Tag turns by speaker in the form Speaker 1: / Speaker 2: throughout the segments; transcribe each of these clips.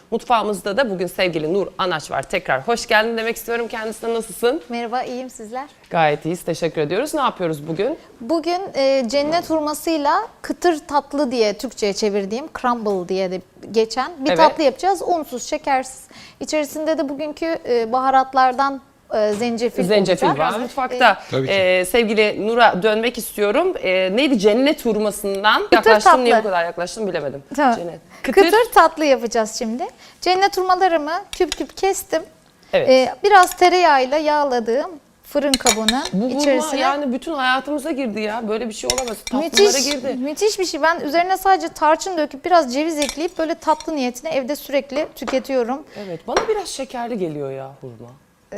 Speaker 1: Mutfağımızda da bugün sevgili Nur Anaç var. Tekrar hoş geldin demek istiyorum kendisine. Nasılsın?
Speaker 2: Merhaba, iyiyim sizler.
Speaker 1: Gayet iyiyiz. Teşekkür ediyoruz. Ne yapıyoruz bugün?
Speaker 2: Bugün cennet hurmasıyla kıtır tatlı diye Türkçe'ye çevirdiğim crumble diye de geçen bir tatlı yapacağız. Unsuz, şekersiz. İçerisinde de bugünkü baharatlardan zencefil
Speaker 1: var. Mutfakta sevgili Nur'a dönmek istiyorum. Neydi? Cennet hurmasından yaklaştım.
Speaker 2: Tatlı.
Speaker 1: Niye bu kadar yaklaştım bilemedim.
Speaker 2: Tamam.
Speaker 1: Cennet.
Speaker 2: Kıtır tatlı yapacağız şimdi. Cennet hurmalarımı küp küp kestim.
Speaker 1: Evet.
Speaker 2: Biraz tereyağıyla yağladığım fırın kabının
Speaker 1: Bu
Speaker 2: içerisine.
Speaker 1: yani bütün hayatımıza girdi ya. Böyle bir şey olamaz. Tatlılara girdi.
Speaker 2: Müthiş bir şey. Ben üzerine sadece tarçın döküp biraz ceviz ekleyip böyle tatlı niyetine evde sürekli tüketiyorum.
Speaker 1: Evet. Bana biraz şekerli geliyor ya hurma.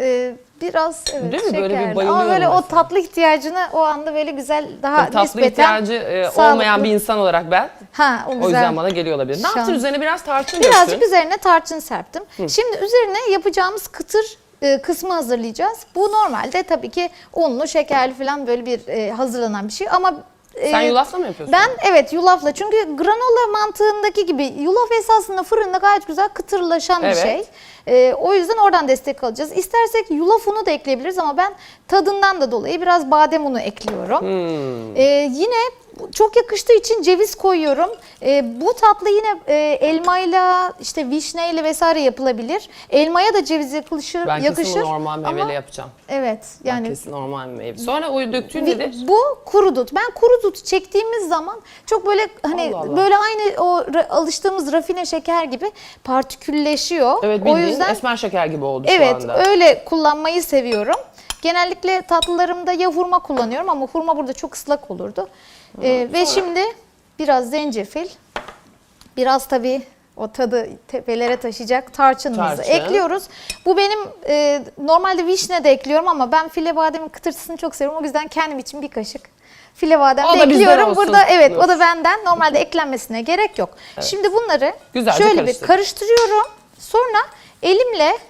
Speaker 2: Biraz evet
Speaker 1: Değil mi?
Speaker 2: şekerli.
Speaker 1: Böyle bir bayılıyorum
Speaker 2: ama böyle
Speaker 1: mesela.
Speaker 2: o tatlı ihtiyacını o anda böyle güzel daha
Speaker 1: Tatlı
Speaker 2: nispeten
Speaker 1: ihtiyacı
Speaker 2: sağlıklı.
Speaker 1: olmayan bir insan olarak ben.
Speaker 2: O güzel.
Speaker 1: O yüzden bana geliyor olabilir. Ne
Speaker 2: Şu
Speaker 1: yaptın?
Speaker 2: an-
Speaker 1: Üzerine biraz tarçın
Speaker 2: Birazcık
Speaker 1: döktün.
Speaker 2: üzerine tarçın serptim. Şimdi üzerine yapacağımız kıtır kısmı hazırlayacağız. Bu normalde tabii ki unlu, şekerli falan böyle bir hazırlanan bir şey ama
Speaker 1: Sen yulafla mı yapıyorsun?
Speaker 2: evet yulafla, çünkü granola mantığındaki gibi yulaf esasında fırında gayet güzel kıtırlaşan bir şey. O yüzden oradan destek alacağız. İstersek yulaf unu da ekleyebiliriz ama ben tadından da dolayı biraz badem unu ekliyorum. Yine çok yakıştığı için ceviz koyuyorum. Bu tatlı yine elmayla, işte vişneyle vesaire yapılabilir. Elmaya da ceviz yakışır.
Speaker 1: Ben kesin normal meyveyle
Speaker 2: ama
Speaker 1: yapacağım.
Speaker 2: evet
Speaker 1: Yani
Speaker 2: yani
Speaker 1: kesin normal meyve. Sonra o döktüğün nedir?
Speaker 2: bu kuru dut. Ben kuru dut çektiğimiz zaman çok böyle hani
Speaker 1: Allah Allah.
Speaker 2: böyle aynı o alıştığımız rafine şeker gibi partikülleşiyor.
Speaker 1: Evet,
Speaker 2: O
Speaker 1: bildiğin
Speaker 2: yüzden
Speaker 1: esmer şeker gibi oldu
Speaker 2: evet
Speaker 1: şu anda.
Speaker 2: öyle kullanmayı seviyorum. Genellikle tatlılarımda ya hurma kullanıyorum ama hurma burada çok ıslak olurdu. Ve şimdi biraz zencefil, biraz tabii o tadı tepelere taşıyacak tarçınımızı ekliyoruz. Bu benim normalde vişne de ekliyorum ama ben file bademin kıtırtısını çok seviyorum. O yüzden kendim için bir kaşık file badem
Speaker 1: O
Speaker 2: de
Speaker 1: da bizden
Speaker 2: ekliyorum.
Speaker 1: olsun.
Speaker 2: Burada evet o da benden. Normalde eklenmesine gerek yok. Şimdi bunları
Speaker 1: Güzelce
Speaker 2: şöyle bir karıştırıyorum. Sonra elimle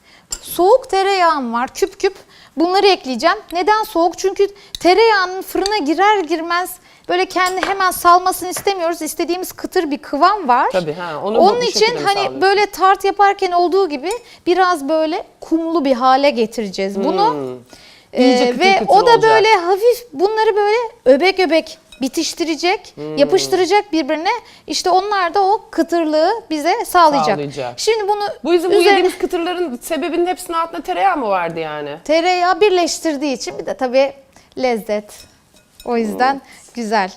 Speaker 2: soğuk tereyağım var küp küp. Bunları ekleyeceğim. Neden soğuk? Çünkü tereyağının fırına girer girmez böyle kendi hemen salmasını istemiyoruz. İstediğimiz kıtır bir kıvam var.
Speaker 1: Tabii, onu
Speaker 2: onun
Speaker 1: bu
Speaker 2: için
Speaker 1: şekilde mi
Speaker 2: hani
Speaker 1: sağlıyorsun?
Speaker 2: böyle tart yaparken olduğu gibi biraz böyle kumlu bir hale getireceğiz bunu.
Speaker 1: İyice kıtır
Speaker 2: Ve
Speaker 1: kıtır
Speaker 2: o da
Speaker 1: olacak.
Speaker 2: böyle hafif bunları böyle öbek öbek bitiştirecek, yapıştıracak birbirine. İşte onlar da o kıtırlığı bize sağlayacak. Şimdi bunu
Speaker 1: Bu yediğimiz kıtırların sebebinin hepsinin altında tereyağı mı vardı yani?
Speaker 2: Tereyağı birleştirdiği için bir de tabii lezzet. O yüzden güzel.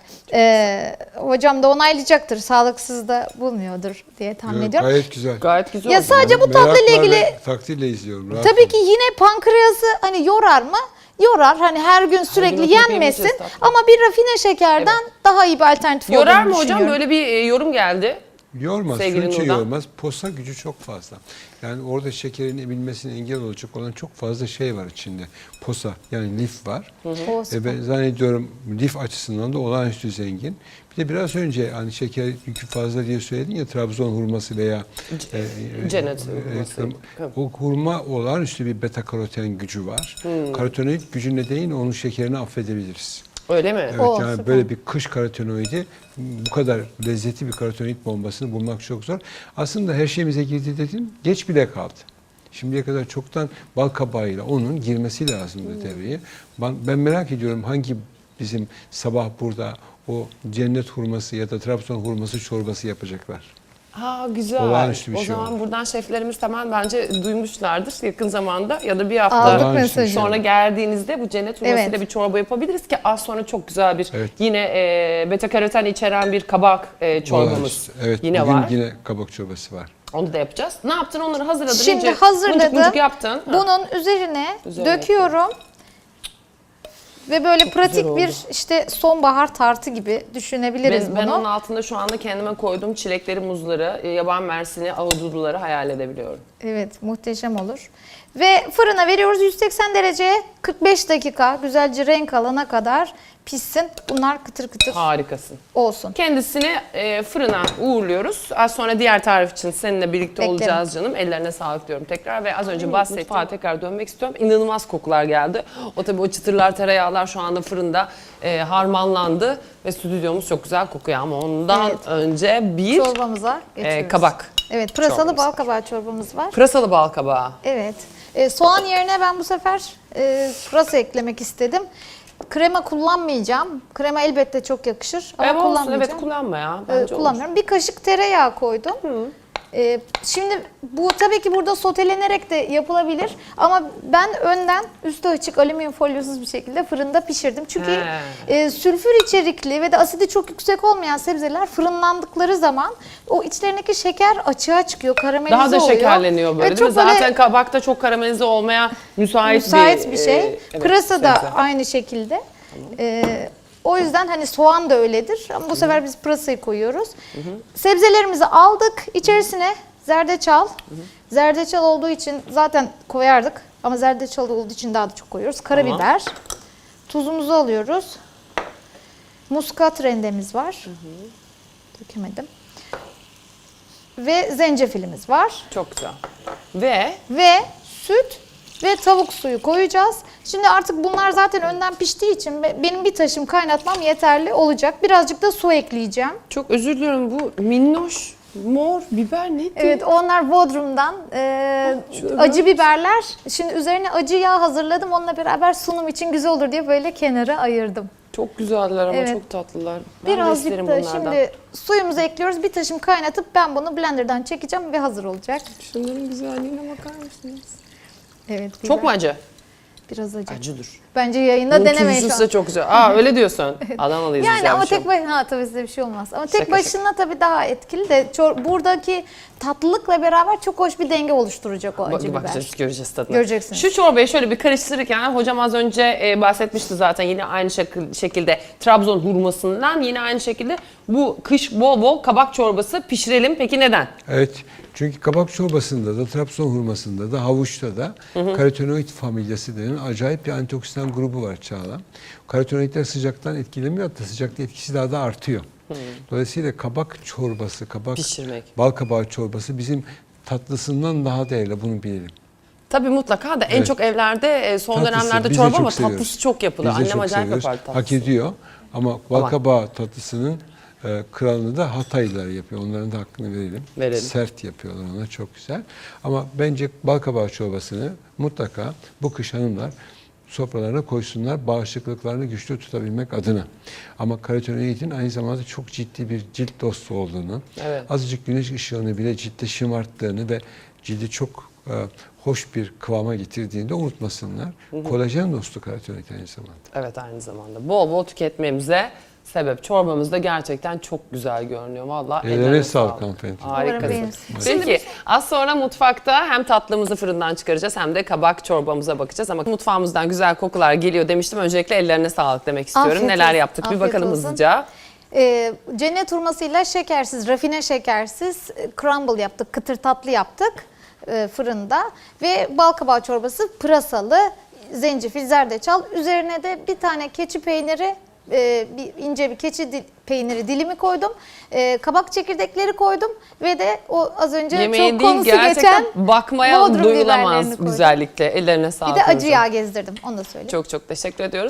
Speaker 2: Hocam da onaylayacaktır. Sağlıksız da bulmuyordur diye tahmin ediyorum.
Speaker 3: Gayet güzel.
Speaker 1: Gayet güzel
Speaker 2: Ya
Speaker 1: oldu.
Speaker 2: sadece bu tatlı ile ilgili
Speaker 3: takdirle izliyorum. rahat
Speaker 2: tabii
Speaker 3: olun.
Speaker 2: ki yine pankreası hani yorar mı? Yorar. Hani her gün sürekli
Speaker 1: oturup
Speaker 2: yenmesin
Speaker 1: yemeyeceğiz tatlı.
Speaker 2: ama bir rafine şekerden daha iyi bir alternatif
Speaker 1: Yorar
Speaker 2: olduğunu
Speaker 1: mı hocam?
Speaker 2: düşünüyorum.
Speaker 1: Böyle bir yorum geldi.
Speaker 3: Yormaz,
Speaker 1: Sevgili
Speaker 3: şunun için
Speaker 1: Nurdan.
Speaker 3: yormaz. Posa gücü çok fazla. Yani orada şekerin emilmesine engel olacak olan çok fazla şey var içinde. Posa yani lif var. Ben zannediyorum lif açısından da olağanüstü zengin. Bir de biraz önce hani şeker yükü fazla diye söyledin ya, Trabzon hurması veya
Speaker 1: Cennet hurması.
Speaker 3: o hurma olağanüstü bir beta karoten gücü var. Karotenoid gücü nedeniyle onun şekerini affedebiliriz.
Speaker 1: Öyle mi?
Speaker 3: Evet, yani
Speaker 2: süper.
Speaker 3: böyle bir kış karotenoidi, bu kadar lezzetli bir karotenoid bombasını bulmak çok zor. Aslında her şeyimize girdi dedim, geç bile kaldı. Şimdiye kadar çoktan bal kabağıyla onun girmesi lazımdı devreye. Ben merak ediyorum hangi bizim sabah burada o cennet hurması ya da Trabzon hurması çorbası yapacaklar.
Speaker 1: Ha güzel.
Speaker 3: Olağanüstü bir
Speaker 1: O
Speaker 3: şey
Speaker 1: zaman
Speaker 3: oldu.
Speaker 1: buradan şeflerimiz tamam bence duymuşlardır yakın zamanda ya da bir hafta
Speaker 2: Aldık
Speaker 3: Olağanüstü bir
Speaker 2: mesajı.
Speaker 3: şey.
Speaker 1: sonra geldiğinizde bu cennet hurmasıyla
Speaker 2: Evet.
Speaker 1: bir çorba yapabiliriz ki az sonra çok güzel bir
Speaker 3: Evet.
Speaker 1: yine beta karoten içeren bir kabak çorbamız
Speaker 3: Olağanüstü. Evet,
Speaker 1: yine
Speaker 3: bugün
Speaker 1: var.
Speaker 3: yine kabak çorbası var.
Speaker 1: Onu da yapacağız. Ne yaptın? Onları hazırladın.
Speaker 2: Şimdi
Speaker 1: İyice
Speaker 2: hazırladım.
Speaker 1: mıncık mıncık yaptın. Ha.
Speaker 2: Bunun üzerine
Speaker 1: Üzerine
Speaker 2: döküyorum. Ve böyle pratik
Speaker 1: güzel
Speaker 2: bir
Speaker 1: oldu.
Speaker 2: işte sonbahar tartı gibi düşünebiliriz
Speaker 1: Ben
Speaker 2: bunu.
Speaker 1: onun altında şu anda kendime koyduğum çilekleri, muzları, yaban mersini, ahududuları hayal edebiliyorum.
Speaker 2: Evet, muhteşem olur. Ve fırına veriyoruz 180 dereceye 45 dakika güzelce renk alana kadar pişsin. Bunlar kıtır kıtır
Speaker 1: Harikasın.
Speaker 2: olsun.
Speaker 1: Kendisini fırına uğurluyoruz. Az sonra diğer tarif için seninle birlikte
Speaker 2: Beklerim.
Speaker 1: olacağız canım. Ellerine sağlık diyorum tekrar ve az önce bahsettiğim mutfağa tekrar dönmek istiyorum. İnanılmaz kokular geldi. O tabii o çıtırlar, tereyağlar şu anda fırında harmanlandı ve stüdyomuz çok güzel kokuyor ama ondan
Speaker 2: Evet.
Speaker 1: önce bir
Speaker 2: Çorbamıza geçiyoruz.
Speaker 1: kabak
Speaker 2: Evet, pırasalı
Speaker 1: Çorbamız
Speaker 2: bal
Speaker 1: var.
Speaker 2: kabağı çorbamız var.
Speaker 1: Pırasalı bal kabağı.
Speaker 2: Evet. Soğan yerine ben bu sefer pırasa eklemek istedim. Krema kullanmayacağım. Krema elbette çok yakışır ama
Speaker 1: Evet olsun,
Speaker 2: kullanmayacağım.
Speaker 1: evet kullanma ya. Bence olur.
Speaker 2: Kullanmıyorum. Bir kaşık tereyağı koydum. Şimdi bu tabii ki burada sotelenerek de yapılabilir ama ben önden üstü açık alüminyum folyosuz bir şekilde fırında pişirdim. Çünkü sülfür içerikli ve de asidi çok yüksek olmayan sebzeler fırınlandıkları zaman o içlerindeki şeker açığa çıkıyor, karamelize
Speaker 1: Daha da
Speaker 2: oluyor.
Speaker 1: şekerleniyor böyle
Speaker 2: Evet,
Speaker 1: değil mi?
Speaker 2: çok böyle
Speaker 1: Zaten kabakta çok karamelize olmaya müsait
Speaker 2: bir şey.
Speaker 1: evet,
Speaker 2: Pırasa da
Speaker 1: sebze.
Speaker 2: aynı şekilde. O yüzden hani soğan da öyledir ama bu sefer biz pırasayı koyuyoruz. Sebzelerimizi aldık. İçerisine zerdeçal. Zerdeçal olduğu için zaten koyardık ama zerdeçal olduğu için daha da çok koyuyoruz. Karabiber. Tuzumuzu alıyoruz. Muskat rendemiz var. Dökemedim. Ve zencefilimiz var.
Speaker 1: Çok güzel. Ve
Speaker 2: Ve süt ve tavuk suyu koyacağız. Şimdi artık bunlar zaten önden piştiği için benim bir taşım kaynatmam yeterli olacak. Birazcık da su ekleyeceğim.
Speaker 1: çok özür diliyorum, bu minnoş mor biber neydi?
Speaker 2: Evet, onlar Bodrum'dan acı biberler. Şimdi üzerine acı yağ hazırladım. Onunla beraber sunum için güzel olur diye böyle kenara ayırdım.
Speaker 1: Çok güzeller ama
Speaker 2: Evet.
Speaker 1: çok tatlılar. Ben de
Speaker 2: Birazcık
Speaker 1: isterim
Speaker 2: da
Speaker 1: bunlardan.
Speaker 2: şimdi suyumuzu ekliyoruz. Bir taşım kaynatıp ben bunu blenderdan çekeceğim ve hazır olacak.
Speaker 1: Şunların güzelliğine bakar mısınız?
Speaker 2: Evet.
Speaker 1: Çok mu acı?
Speaker 2: Biraz acı.
Speaker 1: Acıdır.
Speaker 2: Bence yayında
Speaker 1: Bunun
Speaker 2: denemeyin şu
Speaker 1: tuzlusu
Speaker 2: an.
Speaker 1: da çok güzel. Aa öyle diyorsun. Adanalıyız biz
Speaker 2: Yani
Speaker 1: ya,
Speaker 2: ama
Speaker 1: bir şey
Speaker 2: tek
Speaker 1: yok.
Speaker 2: başına tabii size bir şey olmaz. Ama tek
Speaker 1: Şaka
Speaker 2: başına tabii daha etkili de buradaki tatlılıkla beraber çok hoş bir denge oluşturacak o acı biber.
Speaker 1: Bakacağız, göreceğiz tadını.
Speaker 2: Göreceksiniz.
Speaker 1: Şu çorbayı şöyle bir karıştırırken hocam az önce bahsetmişti zaten yine aynı şekilde Trabzon hurmasından, yine aynı şekilde bu kış bol bol kabak çorbası pişirelim. Peki neden?
Speaker 3: Evet. Çünkü kabak çorbasında da, Trabzon hurmasında da, havuçta da karotenoid familyası denen acayip bir antioksidan grubu var Çağla. Karotenoidler sıcaktan etkilemiyor, hatta sıcakta etkisi daha da artıyor. Dolayısıyla kabak çorbası,
Speaker 1: Pişirmek.
Speaker 3: bal kabağı çorbası bizim tatlısından daha değerli, bunu bilelim.
Speaker 1: Tabii mutlaka da en
Speaker 3: Evet.
Speaker 1: çok evlerde son
Speaker 3: Tatlısı,
Speaker 1: dönemlerde
Speaker 3: biz de
Speaker 1: çorba
Speaker 3: çok
Speaker 1: ama
Speaker 3: seviyoruz.
Speaker 1: tatlısı çok yapılır.
Speaker 3: Biz de
Speaker 1: Annem
Speaker 3: çok
Speaker 1: acayip
Speaker 3: seviyoruz.
Speaker 1: yapar tatlısını.
Speaker 3: Hak ediyor ama bal
Speaker 1: Ama-
Speaker 3: kabağı tatlısının kralını da Hataylılar yapıyor. Onların da hakkını verelim.
Speaker 1: Verelim.
Speaker 3: Sert yapıyorlar ona, çok güzel. Ama bence bal kabağı çorbasını mutlaka bu kış hanımlar sofralarına koysunlar, bağışıklıklarını güçlü tutabilmek adına. Ama karotenoidin aynı zamanda çok ciddi bir cilt dostu olduğunu,
Speaker 1: Evet.
Speaker 3: azıcık güneş ışığını bile ciltte şımarttığını ve cildi çok hoş bir kıvama getirdiğini de unutmasınlar. Kolajen dostu karotenoid aynı zamanda.
Speaker 1: Evet, aynı zamanda. Bol bol tüketmemize sebep. Çorbamız da gerçekten çok güzel görünüyor. Vallahi
Speaker 3: Ellerine sağlık hanımefendi.
Speaker 2: Umarım
Speaker 1: Harikasın.
Speaker 2: beğenirsiniz.
Speaker 1: Peki az sonra mutfakta hem tatlımızı fırından çıkaracağız hem de kabak çorbamıza bakacağız. Ama mutfağımızdan güzel kokular geliyor demiştim. Öncelikle ellerine sağlık demek istiyorum.
Speaker 2: Afiyet
Speaker 1: Neler
Speaker 2: olsun.
Speaker 1: yaptık bir
Speaker 2: Afiyet
Speaker 1: bakalım
Speaker 2: olsun.
Speaker 1: hızlıca.
Speaker 2: Cennet hurmasıyla şekersiz, rafine şekersiz crumble yaptık, kıtır tatlı yaptık fırında. Ve bal kabağı çorbası pırasalı, zencefil, zerdeçal. Üzerine de bir tane keçi peyniri, ince bir keçi peyniri dilimi koydum. Kabak çekirdekleri koydum ve de o az önce
Speaker 1: Yemeğin
Speaker 2: çok
Speaker 1: değil,
Speaker 2: konusu
Speaker 1: gerçekten
Speaker 2: geçen
Speaker 1: bakmaya
Speaker 2: Bodrum biberlerini
Speaker 1: doyulamaz
Speaker 2: koydum.
Speaker 1: güzellikle. Ellerine sağlık.
Speaker 2: Bir de acı
Speaker 1: hocam.
Speaker 2: yağ gezdirdim, onu da söyleyeyim.
Speaker 1: Çok çok teşekkür ediyoruz.